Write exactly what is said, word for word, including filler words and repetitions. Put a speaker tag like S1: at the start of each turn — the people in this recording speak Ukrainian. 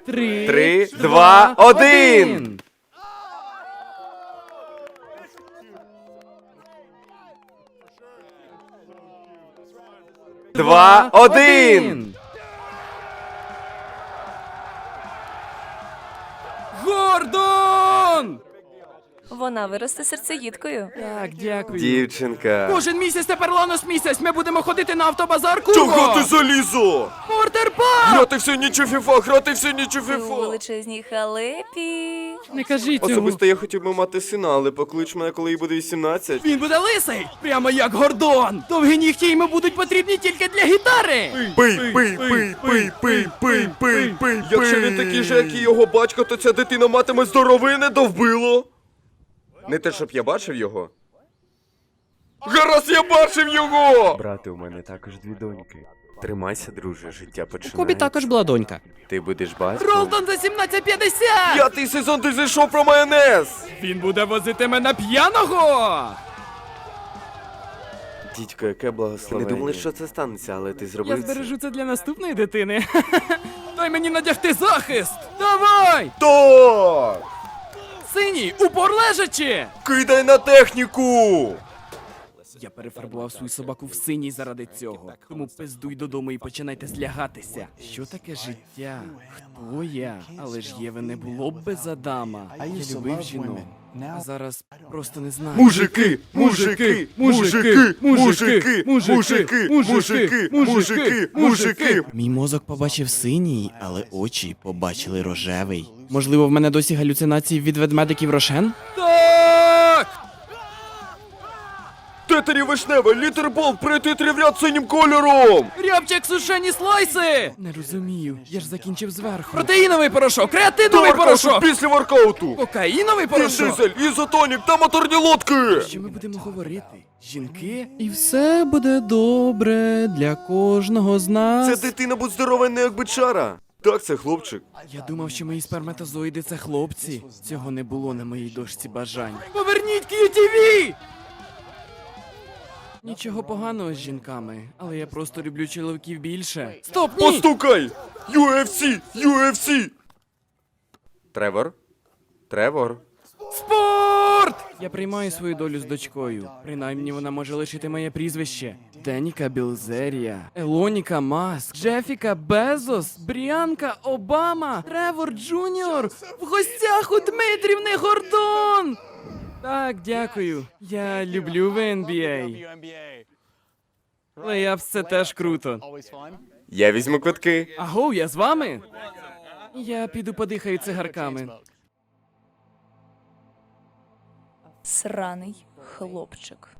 S1: Три,
S2: Три, два, один! Два, один!
S1: Гордон!
S3: Вона виросте серцеїдкою.
S1: Так, дякую.
S2: Дівчинка.
S1: Кожен місяць тепер Ланос місяць. Ми будемо ходити на автобазар Курго.
S2: Чого ти залізо?
S1: Мортерпак!
S2: Грати всю ніч у фіфа, грати всю ніч у
S3: Ти у
S2: фіфа.
S3: величезній халепі.
S1: Не кажіть цього.
S2: Особисто я хотів би мати сина, але поклич мене, коли їй буде вісімнадцять.
S1: Він буде лисий, прямо як Гордон. Довгі нігті йому будуть потрібні тільки для гітари.
S2: Пий, пий, пий, пий, пий, пий, пий, пий. Якщо він такий же, як і його батько, то ця дитина матиме здоровине довбило. Не те, щоб я бачив його. Гаразд, я бачив його! Брате, у мене також дві доньки. Тримайся, друже, життя починається.
S1: Кобі також була донька.
S2: Ти будеш батьком?
S1: Ролтон за сімнадцять п'ятдесят!
S2: П'ятий сезон ти зайшов про майонез!
S1: Він буде возити мене п'яного!
S2: Дідько, яке благословення. Не думали, що це станеться, але ти
S1: Я
S2: зробив це.
S1: збережу це для наступної дитини. Дай мені надягти захист! Давай!
S2: Так!
S1: Синій, упор лежачи!
S2: Кидай на техніку!
S1: Я перефарбував свою собаку в синій заради цього. Тому пиздуй додому і починайте злягатися. Що таке життя? Хто я? Але ж Єви не було б без Адама. Я любив жінок. А зараз просто не знаю.
S2: Мужики! Мужики! Мужики! Мужики! Мужики! Мужики! Мужики! Мужики!
S1: Мій мозок побачив синій, але очі побачили рожевий. Можливо, в мене досі галюцинації від ведмедиків Рошен? Так!
S2: Тетері вишневе, літербол, прийти в ряд синім кольором!
S1: Рябчик сушені слайси! Не розумію, я ж закінчив зверху. Протеїновий порошок, креатиновий порошок!
S2: Після воркауту!
S1: Кокаїновий
S2: Він
S1: порошок!
S2: дизель, ізотонік та моторні лодки!
S1: Що ми будемо говорити? Жінки? І все буде добре для кожного з нас.
S2: Ця дитина будь здоровенна, як бичара! Так, це хлопчик.
S1: Я думав, що мої сперматозоїди це хлопці. Цього не було на моїй дошці бажань. Поверніть К'ю Ті Ві! Нічого поганого з жінками, але я просто люблю чоловіків більше. Стоп, ні!
S2: Постукай! ю еф сі! ю еф сі! Тревор? Тревор?
S1: Спорт! Я приймаю свою долю з дочкою. Принаймні вона може лишити моє прізвище. Деніка Білзерія, Елоніка Маск, Джефіка Безос, Бріанка Обама, Тревор Джуніор, в гостях у Дмитрівни Гордон! Так, дякую. Я люблю в Ен Бі Ей. Лейапс це теж круто.
S2: Я візьму квитки.
S1: Агоу, я з вами? Я піду подихаю цигарками.
S3: Сраний хлопчик.